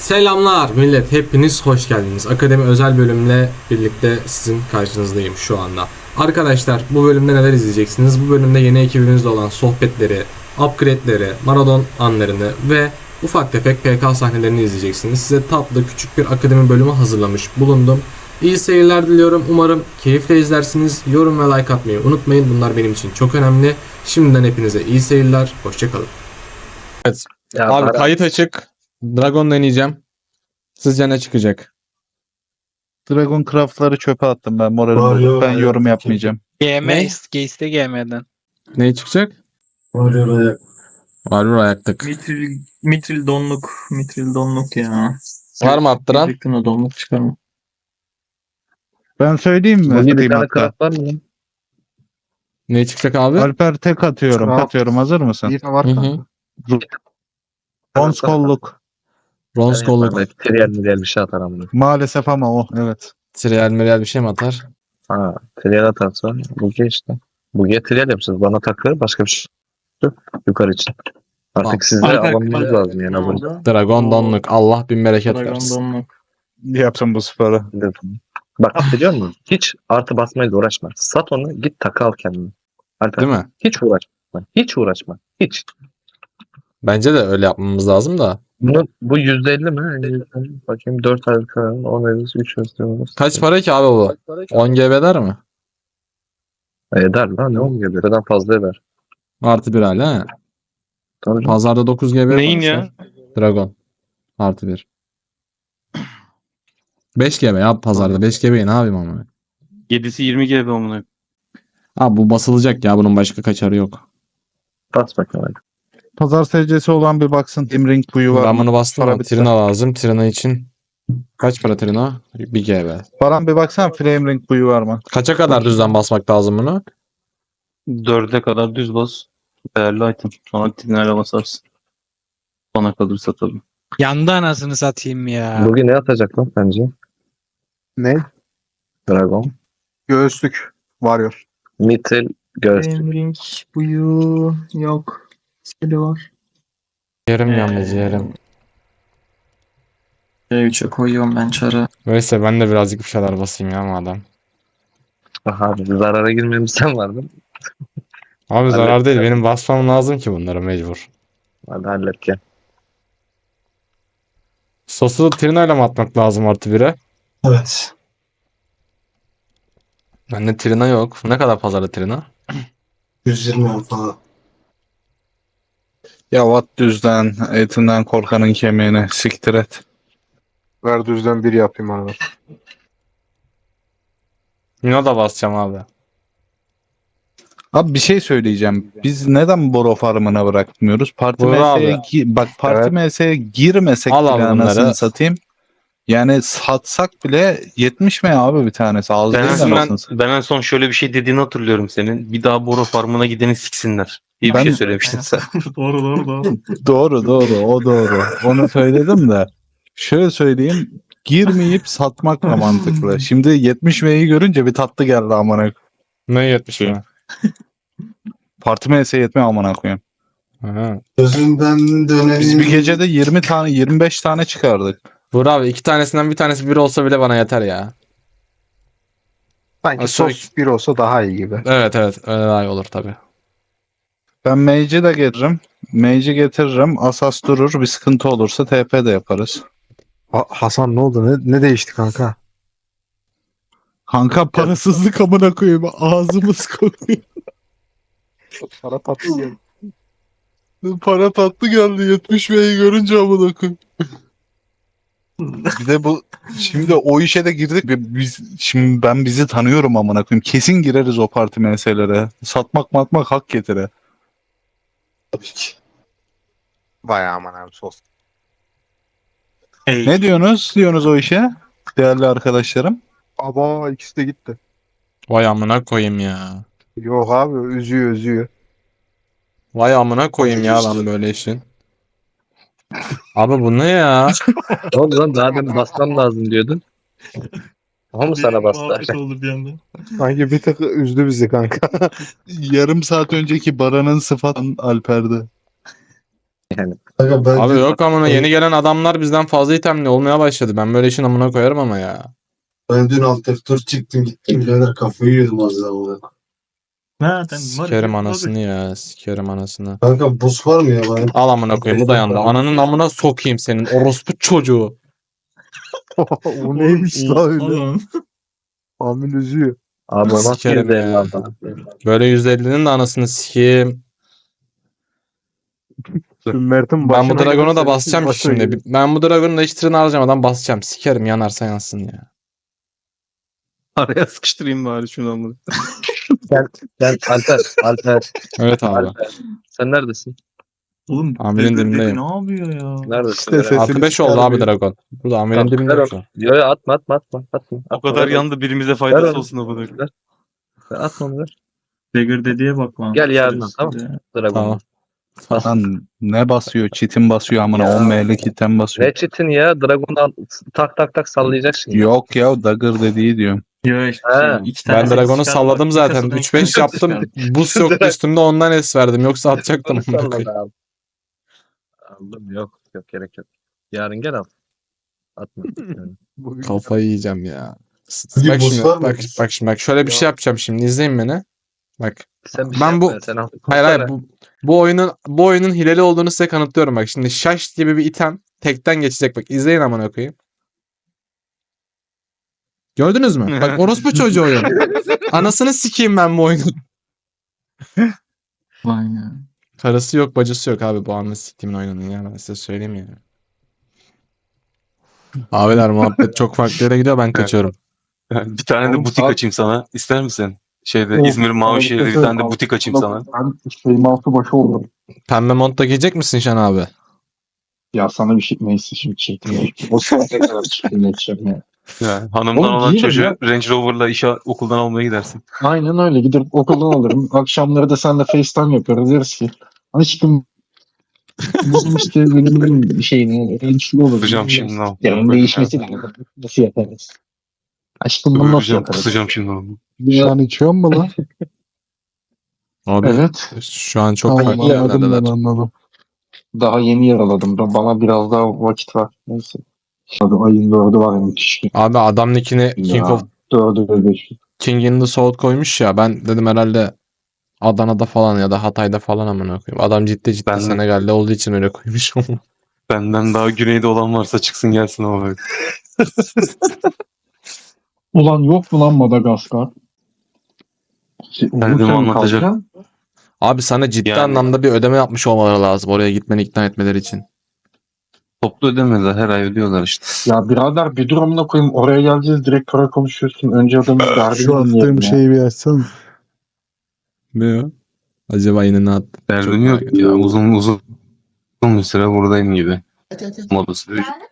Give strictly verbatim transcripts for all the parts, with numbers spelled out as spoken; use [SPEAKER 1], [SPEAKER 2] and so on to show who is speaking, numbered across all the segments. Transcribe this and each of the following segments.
[SPEAKER 1] Selamlar millet, hepiniz hoş geldiniz. Akademi özel bölümle birlikte sizin karşınızdayım şu anda. Arkadaşlar, bu bölümde neler izleyeceksiniz? Bu bölümde yeni ekibimizde olan sohbetleri, upgrade'leri, Maradon anlarını ve ufak tefek P K sahnelerini izleyeceksiniz. Size tatlı küçük bir akademi bölümü hazırlamış bulundum. İyi seyirler diliyorum. Umarım keyifle izlersiniz. Yorum ve like atmayı unutmayın. Bunlar benim için çok önemli. Şimdiden hepinize iyi seyirler. Hoşçakalın. Evet.
[SPEAKER 2] Ya
[SPEAKER 1] Abi
[SPEAKER 2] Baran-
[SPEAKER 1] kayıt açık. Dragon deneyeceğim. Sizce ne çıkacak?
[SPEAKER 3] Dragon Craft'ları çöpe attım ben moralim
[SPEAKER 4] Var
[SPEAKER 3] bozuk.
[SPEAKER 4] ya,
[SPEAKER 3] Ben yorum
[SPEAKER 4] hayatım.
[SPEAKER 3] yapmayacağım.
[SPEAKER 5] G M
[SPEAKER 1] Ne?
[SPEAKER 5] ist, iste G M'den.
[SPEAKER 1] Ne çıkacak?
[SPEAKER 4] Varıyor ayak.
[SPEAKER 1] Varur ayaktık.
[SPEAKER 2] Mitril, mitril donluk. Mitril donluk ya.
[SPEAKER 1] Var mı attıran?
[SPEAKER 2] Gerçekten o donluk çıkarma.
[SPEAKER 3] Ben söyleyeyim mi?
[SPEAKER 2] Bu bir
[SPEAKER 3] Atayım
[SPEAKER 2] tane
[SPEAKER 3] hatta.
[SPEAKER 2] kart var mı lan?
[SPEAKER 1] Ne çıkacak abi?
[SPEAKER 3] Alper tek atıyorum.
[SPEAKER 4] Craft.
[SPEAKER 3] Atıyorum. Hazır mısın?
[SPEAKER 4] Bir var
[SPEAKER 1] Hı hı.
[SPEAKER 4] kanka.
[SPEAKER 3] Bronz kolluk.
[SPEAKER 1] Bronz kolluk.
[SPEAKER 2] Evet, Trial milyar bir şey atar ama.
[SPEAKER 3] Maalesef ama o. Evet.
[SPEAKER 1] Trial milyar bir şey mi atar?
[SPEAKER 2] Ha, trial atarsa buge işte. Buge trial yapacağız. Bana takır başka bir şey yok. Yukarı için. Artık
[SPEAKER 1] Tamam.
[SPEAKER 2] sizde
[SPEAKER 5] Alper,
[SPEAKER 2] almamız lazım yani. Abone.
[SPEAKER 1] Dragon donluk. Allah bin bereket
[SPEAKER 2] Dragon
[SPEAKER 1] versin.
[SPEAKER 2] donluk.
[SPEAKER 3] Yapsın bu sporu.
[SPEAKER 2] Bak biliyor musun? Hiç artı basmayla uğraşma. Sat onu, git takı al kendine. Alper,
[SPEAKER 1] Değil mi?
[SPEAKER 2] hiç uğraşma. Hiç uğraşma. Hiç.
[SPEAKER 1] Bence de öyle yapmamız lazım da.
[SPEAKER 2] Bunu, bu yüzde elli mi? yüzde elli. Bakayım dört aylık on aylık üç aylık.
[SPEAKER 1] Kaç para ki abi bu? on G B eder mi?
[SPEAKER 2] Eder lan ne oluyor? Birden fazla eder.
[SPEAKER 1] Artı bir hala he.
[SPEAKER 2] Tabii canım.
[SPEAKER 1] Pazarda dokuz G B
[SPEAKER 5] Neyin
[SPEAKER 1] yaparsa Dragon. Artı bir. beş G B ya pazarda. beş G B'yi ne yapayım ama?
[SPEAKER 6] yedisi yirmi G B amına.
[SPEAKER 1] Abi bu basılacak ya. Bunun başka kaçarı yok.
[SPEAKER 2] Bas bakalım hadi.
[SPEAKER 3] Pazar secdesi olan bir baksın. Imring buyu var
[SPEAKER 1] Ben
[SPEAKER 3] mı?
[SPEAKER 1] bunu bastım
[SPEAKER 3] Para
[SPEAKER 1] ama
[SPEAKER 3] bitti.
[SPEAKER 1] Trina lazım. Trina için kaç para Trina? bir G B.
[SPEAKER 3] Baran bir baksana Flame Ring buyu var mı?
[SPEAKER 1] Kaça kadar düzden basmak lazım bunu?
[SPEAKER 6] dörde kadar düz bas. Değerli item. Sonra tinlerle basarsın. Bana kalırsa tabii.
[SPEAKER 5] Yandı anasını satayım ya.
[SPEAKER 2] Bugün ne atacak lan bence?
[SPEAKER 4] Ne?
[SPEAKER 2] Dragon.
[SPEAKER 4] Göğüslük. Varıyor.
[SPEAKER 2] Mitril göğüslük.
[SPEAKER 7] Ring buyu yok. Skill'i var.
[SPEAKER 1] Yarım
[SPEAKER 2] Ee,
[SPEAKER 1] yalnız yarım.
[SPEAKER 7] C üçe koyuyorum ben çarı.
[SPEAKER 1] Neyse ben de birazcık bir şeyler basayım ya madem.
[SPEAKER 2] Aha abi zarara girmemişsen vardın.
[SPEAKER 1] Abi zarar
[SPEAKER 2] Hallet
[SPEAKER 1] değil.
[SPEAKER 2] ya.
[SPEAKER 1] Benim basmam lazım ki bunları mecbur.
[SPEAKER 2] Hadi hallet gel.
[SPEAKER 1] Sosu Trina ile mi atmak lazım artı bire?
[SPEAKER 4] Evet.
[SPEAKER 1] Bende Trina yok. Ne kadar pazarda Trina?
[SPEAKER 4] yüz yirmi falan.
[SPEAKER 3] Ya vat düzden, etinden korkanın kemiğine siktir et.
[SPEAKER 4] Ver düzden bir yapayım abi.
[SPEAKER 1] Yine da basacağım abi.
[SPEAKER 3] Abi bir şey söyleyeceğim. Biz neden Boro Farm'ına bırakmıyoruz? Parti
[SPEAKER 1] Buyur
[SPEAKER 3] M S'ye
[SPEAKER 1] abi.
[SPEAKER 3] gi- bak Parti
[SPEAKER 4] Evet.
[SPEAKER 3] M S'ye girmesek
[SPEAKER 1] Al
[SPEAKER 3] bile
[SPEAKER 1] abi bunları.
[SPEAKER 3] anasını satayım. Yani satsak bile yetmiş mi abi bir tanesi? Az
[SPEAKER 6] Ben,
[SPEAKER 3] değil
[SPEAKER 6] en
[SPEAKER 3] anasını
[SPEAKER 6] son,
[SPEAKER 3] satayım.
[SPEAKER 6] ben en son şöyle bir şey dediğini hatırlıyorum senin. Bir daha Boro Farm'ına gideni siksinler diye bir
[SPEAKER 3] Ben-
[SPEAKER 6] şey söylemiştin sen.
[SPEAKER 7] doğru doğru doğru.
[SPEAKER 3] Doğru doğru o doğru. Onu söyledim de. Şöyle söyleyeyim. Girmeyip satmak da mantıklı. Şimdi yetmiş M'yi görünce bir tatlı geldi amına.
[SPEAKER 1] Ne yetmiş mi?
[SPEAKER 3] Parti M S'ye yetme amına koyayım.
[SPEAKER 1] Ha.
[SPEAKER 4] Gözümden dönelim.
[SPEAKER 3] Biz bir gecede yirmi tane yirmi beş tane çıkardık.
[SPEAKER 1] Vur abi iki tanesinden bir tanesi bir olsa bile bana yeter ya.
[SPEAKER 4] Sanki
[SPEAKER 1] Aşağı-
[SPEAKER 4] sos bir olsa daha iyi gibi.
[SPEAKER 1] Evet evet öyle daha iyi olur tabi.
[SPEAKER 3] Ben Mage'i de getiririm. Mage'i getiririm. Asas durur. Bir sıkıntı olursa T P de yaparız.
[SPEAKER 4] Ha- Hasan ne oldu? Ne, ne değişti kanka?
[SPEAKER 3] Kanka parasızlık amına koyayım. Ağzımız kokuyor.
[SPEAKER 4] Para tatlı geldi.
[SPEAKER 3] Para tatlı geldi. yetmiş M'yi görünce amına koyayım. Bir de bu şimdi o işe de girdik. Bi- Biz şimdi ben bizi tanıyorum amına koyayım. Kesin gireriz o parti meselelere. Satmak matmak hak getire.
[SPEAKER 4] Tabii ki. Vay aman abi sos.
[SPEAKER 3] Ne diyorsunuz? Diyorsunuz o işe? Değerli arkadaşlarım.
[SPEAKER 4] Aba ikisi de gitti.
[SPEAKER 1] Vay amına koyayım ya.
[SPEAKER 4] Yok abi üzüyor üzüyor.
[SPEAKER 1] Vay amına koyayım ya ben böyle işin. Abi bu ne ya?
[SPEAKER 2] Ne oldu lan daha demin basmam lazım diyordun. O mu sana bastı?
[SPEAKER 7] oldu bir anda.
[SPEAKER 4] Sanki bir tık üzdü bizi kanka.
[SPEAKER 3] Yarım saat önceki Baran'ın sıfatın Alper'de.
[SPEAKER 2] Yani
[SPEAKER 4] Kanka ben
[SPEAKER 1] Abi yok amına yeni gelen adamlar bizden fazla itemli olmaya başladı. Ben böyle işin amına koyarım ama ya.
[SPEAKER 4] ben dün alt F dört çıktım gittim birader kafayı yedim az daha.
[SPEAKER 8] Nereden?
[SPEAKER 1] Sikerim anasını ya. Sikerim anasını.
[SPEAKER 4] Kanka buz var mı ya bana?
[SPEAKER 1] Al amına koyayım bu dayandı. Ananın amına sokayım senin orospu çocuğu.
[SPEAKER 4] O neymiş la öyle?
[SPEAKER 8] Oğlum.
[SPEAKER 4] Amin üzüyor.
[SPEAKER 2] abi nasıl
[SPEAKER 1] Sikerim
[SPEAKER 2] yüzde elli
[SPEAKER 1] ya.
[SPEAKER 2] aldın?
[SPEAKER 1] Böyle yüz ellinin de anasını sikeyim.
[SPEAKER 4] Mert'in
[SPEAKER 1] Ben bu Dragon'u da
[SPEAKER 4] gelirse
[SPEAKER 1] basacağım ki
[SPEAKER 4] başına
[SPEAKER 1] şimdi.
[SPEAKER 4] gelir.
[SPEAKER 1] Ben bu Dragon'u da hiç tırını harcamadan basacağım. Sikerim yanarsa yansın ya.
[SPEAKER 6] Araya sıkıştırayım bari şunu ama.
[SPEAKER 2] Sen, sen Alper, Alper,
[SPEAKER 1] Evet abi.
[SPEAKER 2] Alper. Sen neredesin?
[SPEAKER 8] Oğlum
[SPEAKER 1] Amirin
[SPEAKER 8] dedi, dedi
[SPEAKER 1] dibindeyim.
[SPEAKER 8] ne yapıyor ya?
[SPEAKER 2] Neredesin?
[SPEAKER 4] İşte
[SPEAKER 2] Merak
[SPEAKER 4] sesini
[SPEAKER 1] Artı beş oldu abi
[SPEAKER 4] çıkarmıyor.
[SPEAKER 1] Dragon. Burada amirin
[SPEAKER 2] Tamam,
[SPEAKER 1] dibinde
[SPEAKER 2] ver
[SPEAKER 1] yok
[SPEAKER 2] onu.
[SPEAKER 1] şu.
[SPEAKER 2] Yo yo atma atma atma atma.
[SPEAKER 6] O
[SPEAKER 2] atma,
[SPEAKER 6] kadar
[SPEAKER 2] ver
[SPEAKER 6] yandı birimize
[SPEAKER 2] Ver
[SPEAKER 6] faydası
[SPEAKER 2] onu.
[SPEAKER 6] olsun ama.
[SPEAKER 2] onu. Ver. Ver, Atma onu ver.
[SPEAKER 8] Dagger dediğe bak lan.
[SPEAKER 2] Gel yarın tamam. Dragon.
[SPEAKER 1] Tamam.
[SPEAKER 3] Lan ne basıyor? Çitin basıyor amına.
[SPEAKER 2] Ya.
[SPEAKER 3] on M'lik item basıyor.
[SPEAKER 2] Ne çitin ya? Dragon'u al, tak tak tak sallayacaksın. ya.
[SPEAKER 3] Yok ya Dagger dediği diyorum.
[SPEAKER 8] Yo işte
[SPEAKER 2] Ha.
[SPEAKER 8] şey, iki tane
[SPEAKER 1] Ben
[SPEAKER 8] set
[SPEAKER 1] Dragon'u
[SPEAKER 8] çıkardı,
[SPEAKER 1] salladım
[SPEAKER 8] bak,
[SPEAKER 1] zaten.
[SPEAKER 8] kasadan
[SPEAKER 1] üç
[SPEAKER 8] iki tane
[SPEAKER 1] beş
[SPEAKER 8] set
[SPEAKER 1] yaptım.
[SPEAKER 8] çıkardı.
[SPEAKER 1] Buz yoktu üstümde ondan es verdim. Yoksa atacaktım.
[SPEAKER 2] Onu
[SPEAKER 1] amına koyayım.
[SPEAKER 2] salladı abi. Aldım yok yok gerek yok. Yarın gel al. Atma. Yani.
[SPEAKER 1] Kafayı yiyeceğim ya.
[SPEAKER 4] Bugün
[SPEAKER 1] Bak
[SPEAKER 4] buz
[SPEAKER 1] şimdi
[SPEAKER 4] var mı?
[SPEAKER 1] bak, bak şimdi bak şöyle bir şey yapacağım şimdi izleyin beni. Bak
[SPEAKER 2] Sen bir
[SPEAKER 1] Ben
[SPEAKER 2] şey
[SPEAKER 1] bu-
[SPEAKER 2] yapma, sen al.
[SPEAKER 1] hayır hayır bu, bu oyunun bu oyunun hileli olduğunu size kanıtlıyorum bak. Şimdi şaş gibi bir item tekten geçecek bak. İzleyin amına koyayım. Gördünüz mü? Bak orospu çocuğu oyun. Anasını sikeyim ben bu oyunun.
[SPEAKER 7] Vay ya.
[SPEAKER 1] Karısı yok bacısı yok abi bu anını siktiğimin oyununun ya ben size söyleyeyim ya. Abiler muhabbet çok farklı yere gidiyor ben kaçıyorum.
[SPEAKER 6] Yani bir tane de
[SPEAKER 4] Oğlum,
[SPEAKER 6] butik
[SPEAKER 4] abi-
[SPEAKER 6] açayım sana. İster misin? Şeyde
[SPEAKER 4] Of,
[SPEAKER 6] İzmir Mavişehir'de bir tane de butik açayım sana.
[SPEAKER 4] Ben şeyim altı başı oldum.
[SPEAKER 1] Pembe mont da giyecek misin Şen abi?
[SPEAKER 4] Ya sana bir şey neyse şimdi çektim. O saate kadar çıktım geçeceğim ya.
[SPEAKER 6] Yani hanımdan
[SPEAKER 4] Oğlum,
[SPEAKER 6] olan
[SPEAKER 4] giyerim
[SPEAKER 6] çocuğu
[SPEAKER 4] ya.
[SPEAKER 6] Range Rover'la işe okuldan almaya gidersin.
[SPEAKER 4] Aynen öyle gidip okuldan alırım. Akşamları da seninle FaceTime yaparız deriz ki. Aşkım bizim işte benim bir şeyini ölçülü olur.
[SPEAKER 6] Kusacağım şimdi lan.
[SPEAKER 4] Yani değişmesi lazım. Nasıl yaparız? Aşkım bunu nasıl
[SPEAKER 6] Kusacağım,
[SPEAKER 4] yaparız?
[SPEAKER 6] kusacağım şimdi onu.
[SPEAKER 4] Sen içiyor mu lan?
[SPEAKER 1] Abi
[SPEAKER 4] Evet.
[SPEAKER 1] şu an çok
[SPEAKER 4] Tamam,
[SPEAKER 1] farklı
[SPEAKER 4] anladım ben,
[SPEAKER 1] yerlerdeler.
[SPEAKER 4] anladım. Daha yeni yaraladım. Bana biraz daha vakit var. Neyse. Hadi ayın dördü var müthiş.
[SPEAKER 1] Abi adam nickini King
[SPEAKER 4] Ya,
[SPEAKER 1] of
[SPEAKER 4] dördü ve beşi.
[SPEAKER 1] King in the South koymuş ya ben dedim herhalde Adana'da falan ya da Hatay'da falan amına koyayım. Adam ciddi ciddi
[SPEAKER 6] Ben-
[SPEAKER 1] Senegal'de olduğu için öyle koymuş.
[SPEAKER 6] Benden daha güneyde olan varsa çıksın gelsin ama.
[SPEAKER 4] Ulan yok mu lan Madagaskar?
[SPEAKER 6] Derdimi anlatacak.
[SPEAKER 1] Abi sana ciddi
[SPEAKER 6] Yani-
[SPEAKER 1] anlamda bir ödeme yapmış olmaları lazım oraya gitmeni ikna etmeleri için.
[SPEAKER 6] Toplu ödemediler. Her ay ödüyorlar işte.
[SPEAKER 4] Ya birader bir durumuna koyayım. Oraya geleceğiz direkt para konuşuyorsun. Önce adamın derdini
[SPEAKER 9] Şu
[SPEAKER 4] dinleyelim
[SPEAKER 9] attığım
[SPEAKER 4] ya.
[SPEAKER 9] şeyi bir açsana.
[SPEAKER 1] Ne ya? Acaba yine ne attı?
[SPEAKER 6] Derdim
[SPEAKER 1] Çok
[SPEAKER 6] yok
[SPEAKER 1] merak
[SPEAKER 6] ya.
[SPEAKER 1] ediyorum.
[SPEAKER 6] Uzun uzun uzun bir süre buradayım gibi. Modası.
[SPEAKER 10] Geldi mi?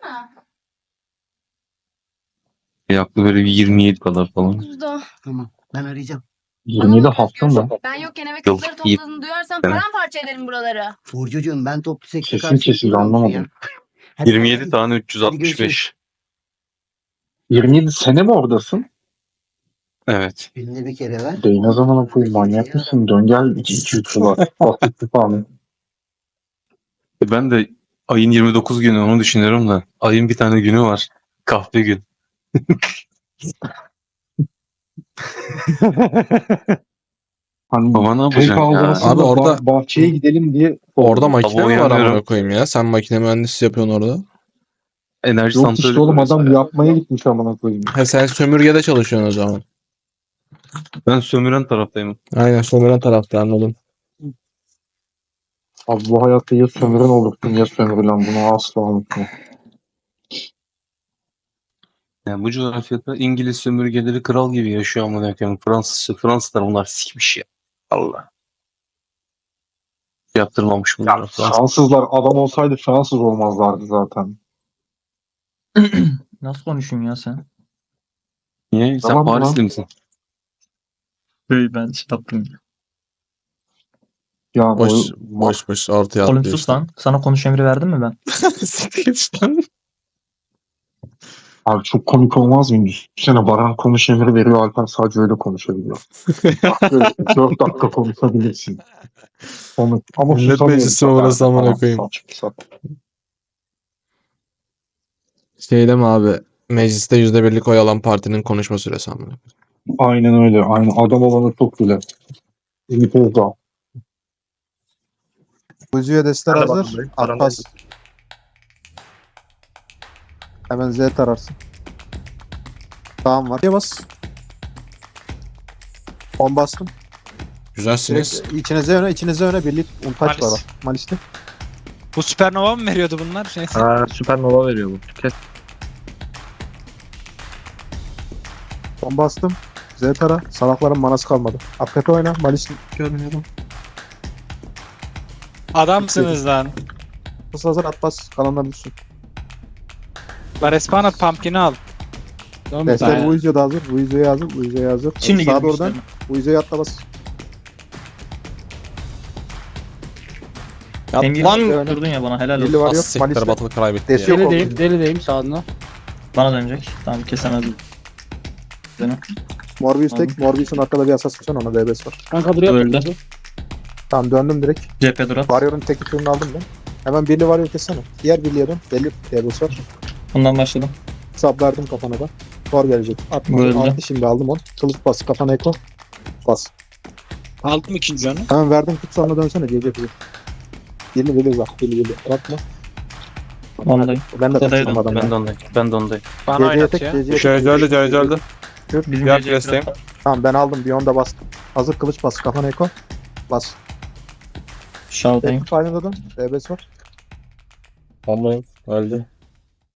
[SPEAKER 6] Yaklı böyle bir yirmi yedi kadar falan.
[SPEAKER 10] Kuzudu.
[SPEAKER 11] Tamam. Ben arayacağım.
[SPEAKER 4] yirmi yedi hafta mı?
[SPEAKER 10] Ben yokken eve
[SPEAKER 6] Yok,
[SPEAKER 10] kızları
[SPEAKER 6] iyi.
[SPEAKER 10] topladığını duyarsam
[SPEAKER 6] Evet.
[SPEAKER 10] paramparça ederim buraları.
[SPEAKER 11] Burcucuğum ben toplu sekte
[SPEAKER 4] Kesin
[SPEAKER 11] karşı
[SPEAKER 4] kesin
[SPEAKER 11] değilim
[SPEAKER 4] anlamadım.
[SPEAKER 11] ya. Hadi
[SPEAKER 6] yirmi
[SPEAKER 11] bay
[SPEAKER 6] yedi
[SPEAKER 11] bay.
[SPEAKER 6] tane üç yüz altmış beş.
[SPEAKER 4] yirmi yedi sene mi oradasın?
[SPEAKER 6] Evet.
[SPEAKER 11] Günde bir kere ver.
[SPEAKER 4] Değil ne zaman koyayım manyak mısın? Dön gel iki iki üç var. Basit falan.
[SPEAKER 6] E Ben de ayın yirmi dokuz günü onu düşünüyorum da ayın bir tane günü var. Kahve gün.
[SPEAKER 4] Hani
[SPEAKER 6] Baba ne
[SPEAKER 4] tek
[SPEAKER 6] yapacaksın ya?
[SPEAKER 4] aldığımızda
[SPEAKER 1] Abi orada-
[SPEAKER 4] bah- bahçeye gidelim diye
[SPEAKER 1] Orada makine
[SPEAKER 6] Tabii
[SPEAKER 1] mi var amına
[SPEAKER 6] uyanıyorum.
[SPEAKER 1] koyayım ya? Sen makine mühendisi yapıyorsun orada.
[SPEAKER 6] Enerji
[SPEAKER 4] yok
[SPEAKER 6] santrali
[SPEAKER 4] işte oğlum
[SPEAKER 6] kuruyoruz
[SPEAKER 4] adam
[SPEAKER 6] hala.
[SPEAKER 4] yapmaya gitmiş amına koyayım.
[SPEAKER 1] He sen sömürgede çalışıyorsun o zaman.
[SPEAKER 6] Ben sömüren taraftayım.
[SPEAKER 1] Aynen sömüren tarafta anladım.
[SPEAKER 4] Abi bu hayatta ya sömürün olursun ya sömürülen bunu asla unutma.
[SPEAKER 6] Yani bu coğrafyada İngiliz sömürgeleri kral gibi yaşıyor ama koyayım. Fransız Fransızlar bunlar sikmiş ya. Allah. Yaptırmamış bunlar.
[SPEAKER 4] Ya
[SPEAKER 6] Fransız.
[SPEAKER 4] Fransızlar adam olsaydı Fransız olmazlardı zaten.
[SPEAKER 8] Nasıl konuşuyorsun ya sen?
[SPEAKER 6] Niye? Sen
[SPEAKER 4] Tamam,
[SPEAKER 6] Parisli
[SPEAKER 4] tamam.
[SPEAKER 6] misin?
[SPEAKER 8] Hey, ben şey yaptım.
[SPEAKER 4] Ya
[SPEAKER 1] Boş
[SPEAKER 4] bu
[SPEAKER 1] boş boş ortaya
[SPEAKER 8] Oğlum
[SPEAKER 1] atlıyor
[SPEAKER 8] sus
[SPEAKER 1] işte.
[SPEAKER 8] lan. Sana konuş emri verdim mi ben?
[SPEAKER 1] Siktir git lan.
[SPEAKER 4] Abi çok komik olmaz mı? Düşünsene Baran konuş emri veriyor. Alper sadece öyle konuşabiliyor. dört dakika konuşabilirsin. Onu, ama
[SPEAKER 1] Millet
[SPEAKER 4] susamıyorum.
[SPEAKER 1] meclisi mi burası amına
[SPEAKER 4] Tamam,
[SPEAKER 1] koyayım?
[SPEAKER 4] saçma sapan.
[SPEAKER 1] Şeyde mi abi? Mecliste yüzde birlik oy alan partinin konuşma süresi amına.
[SPEAKER 4] Aynen öyle. Aynen. Adam olanı çok güzel. Ümit Özdağ.
[SPEAKER 9] Kuzuya destler
[SPEAKER 2] Ben de
[SPEAKER 9] hazır.
[SPEAKER 2] bakımdayım.
[SPEAKER 9] Atlas. Hemen Z tararsın. Tamam var. Diye bas. on bastım.
[SPEAKER 1] Güzelsiniz.
[SPEAKER 9] Direkt içinize öne, içinize öne birlik untaç
[SPEAKER 5] Malis.
[SPEAKER 9] var. Malis'te.
[SPEAKER 5] Bu süpernova mı veriyordu bunlar? Neyse.
[SPEAKER 2] Ha, süpernova veriyor bu. Kes.
[SPEAKER 9] on bastım. Z tara. Salakların manası kalmadı. Akrepe oyna. Malis
[SPEAKER 7] Görmüyorum.
[SPEAKER 5] Adamsınız lan.
[SPEAKER 9] nasıl hazır at bas. Kalanlar düşsün.
[SPEAKER 5] La respawn at pumpkin'i al.
[SPEAKER 9] Destler
[SPEAKER 5] Aynen.
[SPEAKER 9] bu yüzüğe de hazır. Bu yüzüğe hazır. Bu yüzüğe hazır.
[SPEAKER 8] Şimdi
[SPEAKER 9] Sağa
[SPEAKER 8] girdim
[SPEAKER 9] doğrudan.
[SPEAKER 8] üstlerine.
[SPEAKER 9] Bu yüzüğe atla bas.
[SPEAKER 8] Emir
[SPEAKER 9] Lan!
[SPEAKER 8] durdun ya bana helal
[SPEAKER 9] Birli
[SPEAKER 8] olsun.
[SPEAKER 9] var yok. Malis'te.
[SPEAKER 1] batılı kaybetti
[SPEAKER 9] Desi yok oldu.
[SPEAKER 5] delideyim sağına.
[SPEAKER 8] Bana dönecek. Tamam kesemezdim. Seni.
[SPEAKER 9] Morbius
[SPEAKER 8] Tamam.
[SPEAKER 9] tek. Morbius'un arkada bir asas tutan ona D B'si var.
[SPEAKER 5] Kanka duruyor.
[SPEAKER 8] Öldü.
[SPEAKER 9] Tamam döndüm direkt.
[SPEAKER 8] Cephe durat.
[SPEAKER 9] Warrior'ın tek turunu aldım ben. Hemen birli Warrior kessene. Diğer birliğe dön. Belli D B'si var.
[SPEAKER 8] Bundan başladım.
[SPEAKER 9] Sablardım kafana da. Thor gelecek. Atma.
[SPEAKER 8] Öldü.
[SPEAKER 9] Attı şimdi aldım onu. Kılıç bas. Kafana eko. Bas.
[SPEAKER 5] Aldım ikinci canı.
[SPEAKER 9] Hemen verdim tut sonra dönsene. Gece bilir. Birli bilir bak. Birli bilir. Bırakma.
[SPEAKER 8] Ondayım.
[SPEAKER 9] Ben de
[SPEAKER 6] Ondaydım.
[SPEAKER 9] taşıdım adamı.
[SPEAKER 6] Ben de ondayım. Ben de ondayım.
[SPEAKER 5] Bana
[SPEAKER 9] Geceye
[SPEAKER 5] oynat
[SPEAKER 9] tek.
[SPEAKER 5] ya.
[SPEAKER 9] Geceye tek.
[SPEAKER 3] Şöyle öldü, şöyle öldü.
[SPEAKER 8] Bizim
[SPEAKER 3] Yap
[SPEAKER 8] gece
[SPEAKER 3] desteğim.
[SPEAKER 8] durat.
[SPEAKER 9] Tamam ben aldım. Bir onda bastım. Hazır kılıç bas. Kafana eko. Bas.
[SPEAKER 8] Şaldayım.
[SPEAKER 9] Tek final'da dön. D B'si var.
[SPEAKER 2] Ondayım. Öldü.